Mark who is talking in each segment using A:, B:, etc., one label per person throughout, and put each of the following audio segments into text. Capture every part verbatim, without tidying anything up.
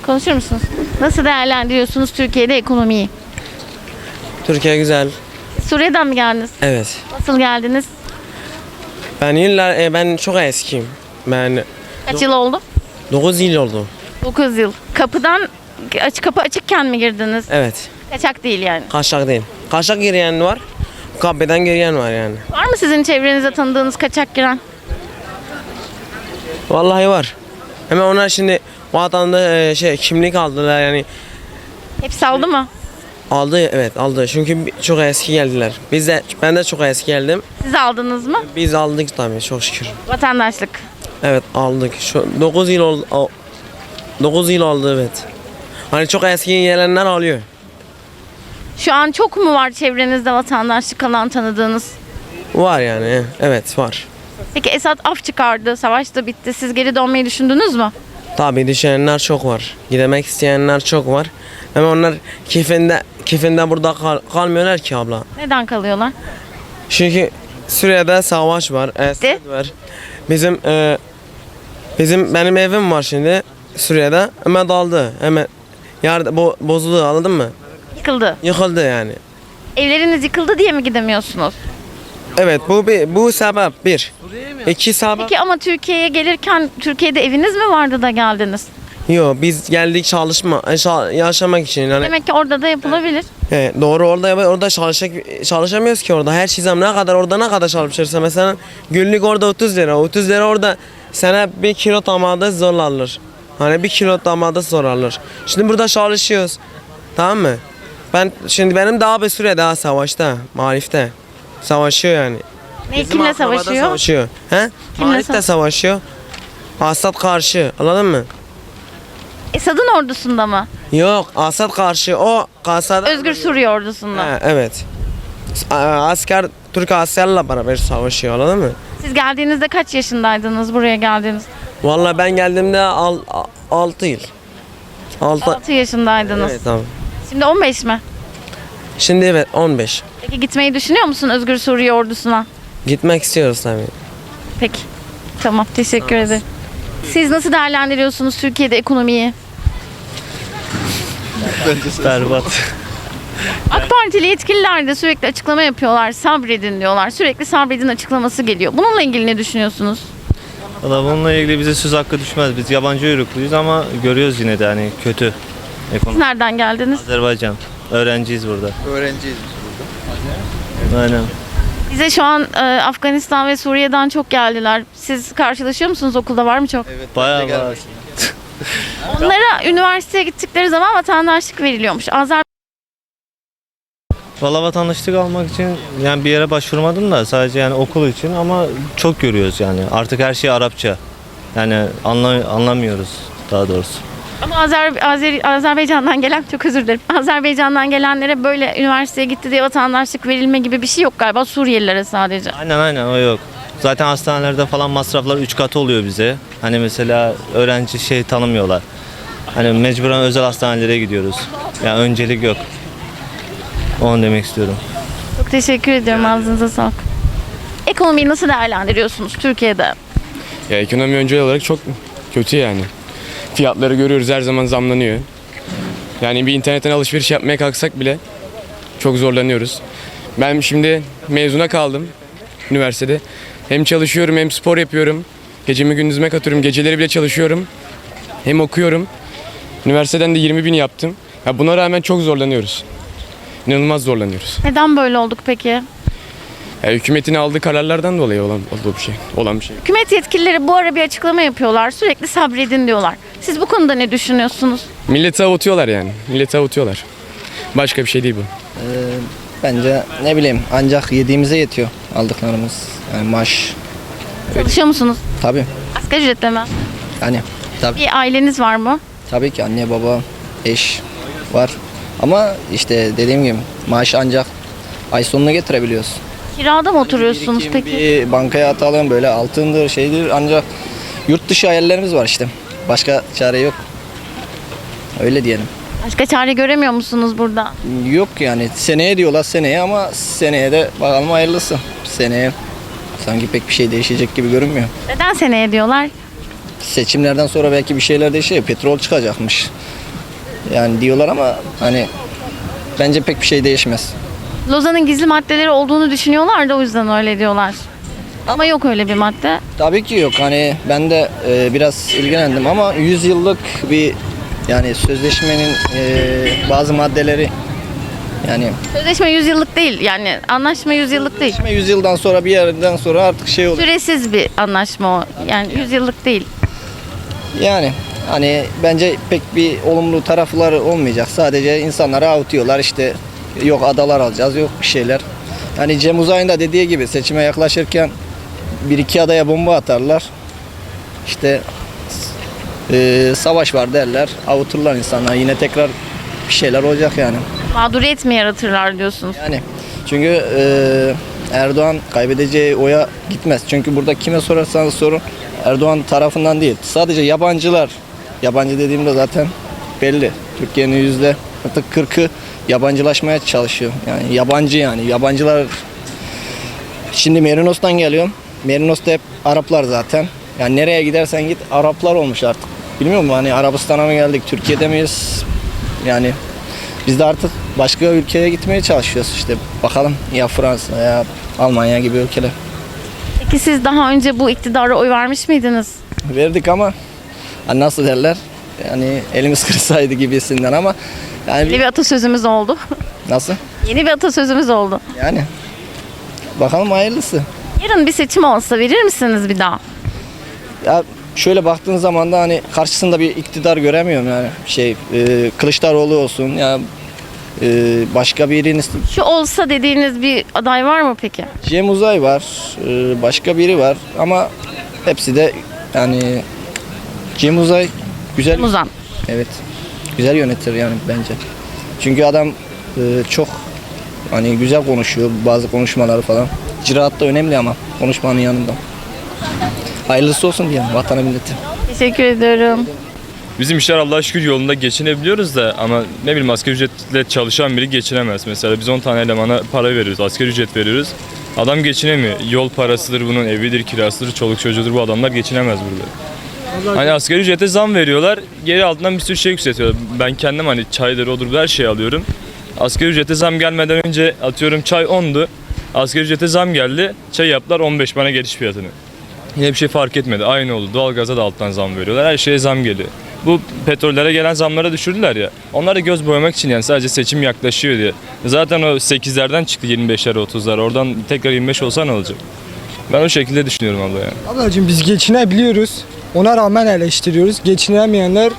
A: Konuşur musunuz? Nasıl değerlendiriyorsunuz Türkiye'de ekonomiyi?
B: Türkiye güzel.
A: Suriye'den mi geldiniz?
B: Evet.
A: Nasıl geldiniz?
B: Ben yıllar e, ben çok eskiyim. Ben
A: Kaç yıl oldu?
B: dokuz yıl oldu.
A: dokuz yıl. Kapıdan aç, kapı açıkken mi girdiniz?
B: Evet.
A: Kaçak değil yani.
B: Kaçak değil. Kaçak giren var. Kapıdan giren var yani.
A: Var mı sizin çevrenizde tanıdığınız kaçak giren?
B: Vallahi var. Hemen onlar şimdi vatanda e, şey kimlik aldılar yani.
A: Hepsi aldı mı?
B: Aldı evet aldı. Çünkü bi- çok eski geldiler. Biz de ben de çok eski geldim.
A: Siz aldınız mı?
B: Biz aldık tabii çok şükür.
A: Vatandaşlık.
B: Evet aldık. Şu dokuz yıl oldu. dokuz yıl oldu evet. Hani çok eski gelenler alıyor.
A: Şu an çok mu var çevrenizde vatandaşlık alan tanıdığınız?
B: Var yani evet var.
A: Peki Esad af çıkardı, savaş da bitti. Siz geri dönmeyi düşündünüz mü?
B: Tabii düşünenler çok var. Gidemek isteyenler çok var. Ama onlar keyfinde, keyfinde burada kal- kalmıyorlar ki abla.
A: Neden kalıyorlar?
B: Çünkü Suriye'de savaş var, Esad var. Bizim e, bizim benim evim var şimdi Suriye'de. Hemen daldı. Hemen yardım bo bozuldu anladın mı?
A: Yıkıldı.
B: Yıkıldı yani.
A: Evleriniz yıkıldı diye mi gidemiyorsunuz?
B: Evet bu bir bu sebep bir. İki sebep.
A: Peki ama Türkiye'ye gelirken Türkiye'de eviniz mi vardı da geldiniz?
B: Yok biz geldik çalışma, yaşa- yaşamak için yani.
A: Demek ki orada da yapılabilir.
B: He, doğru orada orada çalışacak çalışamıyoruz ki orada her şey zam ne kadar orada ne kadar çalışırsa mesela günlük orada otuz lira otuz lira orada sana bir kilo domates zor alır. Hani bir kilo domates zor alır. Şimdi burada çalışıyoruz. Tamam mı? Ben şimdi benim daha bir süre daha savaşta, marifte. Savaşıyor yani.
A: Ne,
B: Bizim
A: kimle
B: akraba da
A: savaşıyor?
B: Savaşıyor. He?
A: Kimle
B: Marif de
A: savaş-
B: savaşıyor. Asad karşı. Anladın mı?
A: Esad'ın ordusunda mı?
B: Yok, Asad karşı. O Asad.
A: Özgür Suriye ordusunda.
B: He, evet. A- Asker Türk askerlerle beraber savaşıyor anladın mı?
A: Siz geldiğinizde kaç yaşındaydınız buraya geldiğiniz?
B: Vallahi ben geldiğimde altı yıl. altı.
A: altı yaşındaydınız.
B: Evet tamam.
A: Şimdi on beş mi?
B: Şimdi evet on beş.
A: Peki gitmeyi düşünüyor musun Özgür Suriye ordusuna?
B: Gitmek istiyoruz tabii.
A: Peki. Tamam, teşekkür ederim. Siz nasıl değerlendiriyorsunuz Türkiye'de ekonomiyi?
C: Berbat.
A: AK Partili yetkililer de sürekli açıklama yapıyorlar. Sabredin diyorlar. Sürekli sabredin açıklaması geliyor. Bununla ilgili ne düşünüyorsunuz?
C: Valla bununla ilgili bize söz hakkı düşmez. Biz yabancı uyrukluyuz ama görüyoruz yine de hani kötü
A: Siz
C: ekonomi.
A: nereden geldiniz?
C: Azerbaycan. Öğrenciyiz burada.
D: Öğrenciyiz biz burada.
C: Aynen.
A: Bize şu an e, Afganistan ve Suriye'den çok geldiler. Siz karşılaşıyor musunuz okulda? Var mı çok?
D: Evet,
C: Bayağı
D: ben de
C: var.
D: gelmiştim.
A: Onlara üniversiteye gittikleri zaman vatandaşlık veriliyormuş. Azer
C: Valla vatandaşlık almak için yani bir yere başvurmadım da sadece yani okul için ama çok görüyoruz yani. Artık her şey Arapça. Yani anla, anlamıyoruz daha doğrusu.
A: Ama Azer, Azer, Azerbaycan'dan gelen, çok özür dilerim. Azerbaycan'dan gelenlere böyle üniversiteye gitti diye vatandaşlık verilme gibi bir şey yok galiba. Suriyelilere sadece.
C: Aynen aynen o yok. Zaten hastanelerde falan masraflar üç katı oluyor bize. Hani mesela öğrenci şey tanımıyorlar. Hani mecburen özel hastanelere gidiyoruz. Yani öncelik yok. Onu demek istiyorum.
A: Çok teşekkür ediyorum. Ağzınıza sağlık. Ekonomiyi nasıl değerlendiriyorsunuz Türkiye'de?
E: Ya ekonomi öncel olarak çok kötü yani. Fiyatları görüyoruz her zaman zamlanıyor. Yani bir internetten alışveriş yapmaya kalksak bile çok zorlanıyoruz. Ben şimdi mezuna kaldım üniversitede. Hem çalışıyorum hem spor yapıyorum. Gecemi gündüzüme katıyorum. Geceleri bile çalışıyorum. Hem okuyorum. Üniversiteden de yirmi bin yaptım. Ya buna rağmen çok zorlanıyoruz. İnanılmaz zorlanıyoruz.
A: Neden böyle olduk peki?
E: Ya hükümetin aldığı kararlardan dolayı olan, olduğu bir şey, olan bir şey.
A: Hükümet yetkilileri bu ara bir açıklama yapıyorlar. Sürekli sabredin diyorlar. Siz bu konuda ne düşünüyorsunuz?
E: Milleti avutuyorlar yani. Milleti avutuyorlar. Başka bir şey değil bu.
D: Bence ne bileyim ancak yediğimize yetiyor aldıklarımız. Yani maaş
A: Çalışıyor musunuz?
D: tabii.
A: Asgari ücretle mi?
D: Yani tabii,
A: Bir aileniz var mı?
D: tabii ki anne baba eş var. Ama işte dediğim gibi maaş ancak ay sonuna getirebiliyoruz.
A: Kirada mı oturuyorsunuz
D: Birikim,
A: peki?
D: Bir bankaya atalım böyle altındır şeydir ancak yurt dışı hayallerimiz var işte. Başka çare yok. Öyle diyelim.
A: Başka çare göremiyor musunuz burada?
D: Yok yani seneye diyorlar seneye ama seneye de bakalım hayırlısı. Seneye sanki pek bir şey değişecek gibi görünmüyor.
A: Neden seneye diyorlar?
D: Seçimlerden sonra belki bir şeyler değişecek. Petrol çıkacakmış. Yani diyorlar ama hani bence pek bir şey değişmez.
A: Lozan'ın gizli maddeleri olduğunu düşünüyorlar da o yüzden öyle diyorlar. Ama yok öyle bir madde.
D: Tabii ki yok. Hani ben de e, biraz ilgilendim ama yüz yıllık bir yani sözleşmenin e, bazı maddeleri yani
A: Sözleşme yüz yıllık değil. Yani anlaşma yüz yıllık değil.
D: sözleşme yüz yıldan sonra bir yerden sonra artık şey oluyor.
A: Süresiz bir anlaşma o. Yani yüz yıllık değil.
D: Yani hani bence pek bir olumlu tarafları olmayacak. Sadece insanları avutuyorlar işte yok adalar alacağız yok bir şeyler. Hani Cem Uzay'ın da dediği gibi seçime yaklaşırken bir iki adaya bomba atarlar. İşte e, savaş var derler. Avuturlar insanlar. Yine tekrar bir şeyler olacak yani.
A: Mağduriyet mi yaratırlar diyorsunuz?
D: Yani çünkü e, Erdoğan kaybedeceği oya gitmez. Çünkü burada kime sorarsanız sorun Erdoğan tarafından değil. Sadece yabancılar. Yabancı dediğimde zaten belli. Türkiye'nin yüzde artık kırkı yabancılaşmaya çalışıyor. Yani yabancı yani. Yabancılar şimdi Merinos'tan geliyorum. Merinos'ta hep Araplar zaten. Yani nereye gidersen git Araplar olmuş artık. Bilmiyor musun hani Arabistan'a mı geldik, Türkiye'de miyiz? Yani biz de artık başka ülkeye gitmeye çalışıyoruz işte. Bakalım ya Fransa ya Almanya gibi ülkeler.
A: Peki siz daha önce bu iktidara oy vermiş miydiniz?
D: Verdik ama hani nasıl derler? Yani elimiz kırsaydı gibisinden ama yani
A: Yeni bir atasözümüz oldu.
D: nasıl?
A: Yeni bir atasözümüz oldu.
D: Yani bakalım hayırlısı.
A: Yarın bir seçim olsa verir misiniz bir daha?
D: Ya şöyle baktığın zaman da hani karşısında bir iktidar göremiyorum yani şey e, Kılıçdaroğlu olsun ya e, başka biriniz
A: Şu olsa dediğiniz bir aday var mı peki?
D: Cem Uzay var e, başka biri var ama hepsi de yani Cem Uzay güzel
A: Muzan.
D: evet güzel yönetir yani bence çünkü adam e, çok hani güzel konuşuyor bazı konuşmaları falan icraat da önemli ama konuşmanın yanında hayırlısı olsun diyelim vatana millete.
A: Teşekkür ediyorum.
F: Bizim işler Allah'a şükür yolunda geçinebiliyoruz da ama ne bileyim asgari ücretle çalışan biri geçinemez. Mesela biz on tane elemana para veriyoruz, asgari ücret veriyoruz. Adam geçinemiyor. Yol parasıdır bunun, evidir, kirasıdır, çoluk çocuğudur bu adamlar geçinemez burada. Hani asgari ücrete zam veriyorlar, geri altından bir sürü şey yükseltiyorlar. Ben kendim hani çaydır, odur her şeyi alıyorum. Asgari ücrete zam gelmeden önce atıyorum çay ondu. Asgari ücrete zam geldi, çay yaptılar on beş bana geliş fiyatını. Yine bir şey fark etmedi. Aynı oldu. Doğalgaza da alttan zam veriyorlar. Her şeye zam geliyor. Bu petrollere gelen zamlara düşürdüler ya. Onlar da göz boyamak için yani sadece seçim yaklaşıyor diye. Zaten o sekizlerden çıktı yirmi beşlere otuzlara. Oradan tekrar yirmi beş olsa ne olacak? Ben o şekilde düşünüyorum abla yani.
G: Ablacığım biz geçinebiliyoruz. Ona rağmen eleştiriyoruz. Geçinemeyenler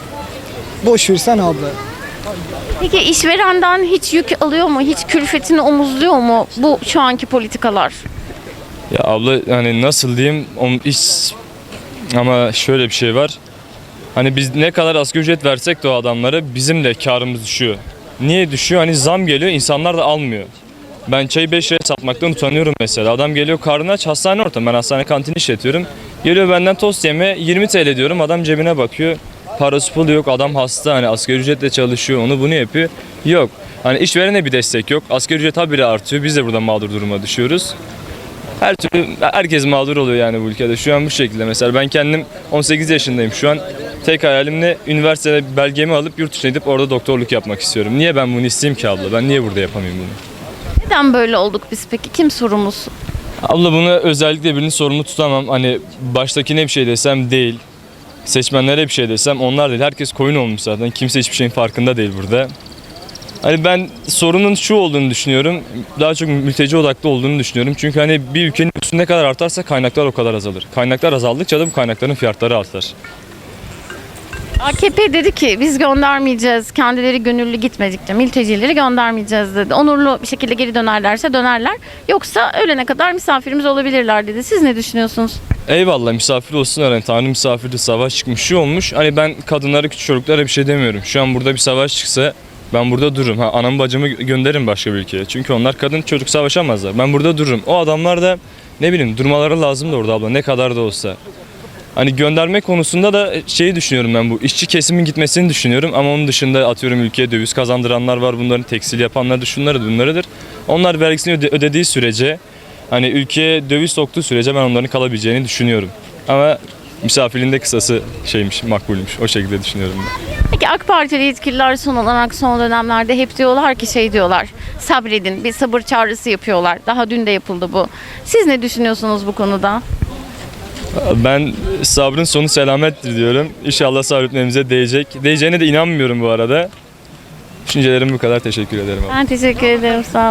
G: boş versen abla.
A: Peki işverenden hiç yük alıyor mu? Hiç külfetini omuzluyor mu bu şu anki politikalar?
F: Ya abla hani nasıl diyeyim o iş ama şöyle bir şey var. Hani biz ne kadar asgari ücret versek de o adamlara bizim de karımız düşüyor. Niye düşüyor? Hani zam geliyor insanlar da almıyor. Ben çayı beş liraya satmaktan utanıyorum mesela. Adam geliyor karnı aç hastane ortamı. Ben hastane kantini işletiyorum. Geliyor benden tost yeme yirmi TL diyorum. Adam cebine bakıyor. Parası pulu yok. Adam hasta hani asgari ücretle çalışıyor. Onu bunu yapıyor. Yok. Hani işverene bir destek yok. Asgari ücret habire artıyor. Biz de burada mağdur duruma düşüyoruz. Her türlü herkes mağdur oluyor yani bu ülkede. Şu an bu şekilde mesela ben kendim on sekiz yaşındayım şu an. Tek hayalim ne? Üniversitede belgemi alıp yurt dışına gidip orada doktorluk yapmak istiyorum. Niye ben bunu isteyeyim ki abla? Ben niye burada yapamayayım bunu?
A: Neden böyle olduk biz peki? Kim sorumlusu?
F: Abla bunu özellikle birini sorumlu tutamam. Hani baştakine bir şey desem değil. Seçmenlere bir şey desem onlar değil. Herkes koyun olmuş zaten. Kimse hiçbir şeyin farkında değil burada. Hani ben sorunun şu olduğunu düşünüyorum. Daha çok mülteci odaklı olduğunu düşünüyorum. Çünkü hani bir ülkenin nüfusu ne kadar artarsa kaynaklar o kadar azalır. Kaynaklar azaldıkça da bu kaynakların fiyatları artar.
A: A K P dedi ki biz göndermeyeceğiz. Kendileri gönüllü gitmedikçe mültecileri göndermeyeceğiz dedi. Onurlu bir şekilde geri dönerlerse dönerler. Yoksa ölene kadar misafirimiz olabilirler dedi. Siz ne düşünüyorsunuz?
F: Eyvallah misafir olsun hani Tanrı misafirde savaş çıkmış şu olmuş. Hani ben kadınlara küçük çocuklara bir şey demiyorum. Şu an burada bir savaş çıksa ben burada dururum. Ha, anamı bacımı gönderirim başka bir ülkeye. Çünkü onlar kadın çocuk savaşamazlar. Ben burada dururum. O adamlar da ne bileyim durmaları lazım da orada abla ne kadar da olsa. Hani gönderme konusunda da şeyi düşünüyorum ben bu işçi kesimin gitmesini düşünüyorum ama onun dışında atıyorum ülkeye döviz kazandıranlar var bunların tekstil yapanlar da şunları bunlarıdır. Onlar vergisini öde- ödediği sürece hani ülkeye döviz soktuğu sürece ben onların kalabileceğini düşünüyorum. Ama Misafirliğin de kısası şeymiş, makbulmuş. O şekilde düşünüyorum ben.
A: Peki AK Partili yetkililer son olarak son dönemlerde hep diyorlar ki şey diyorlar. Sabredin, bir sabır çağrısı yapıyorlar. Daha dün de yapıldı bu. Siz ne düşünüyorsunuz bu konuda?
F: Ben sabrın sonu selamettir diyorum. İnşallah sabretmemize değecek. Değeceğine de inanmıyorum bu arada. Düşüncelerim bu kadar. Teşekkür ederim.
A: Ben teşekkür ederim. Sağ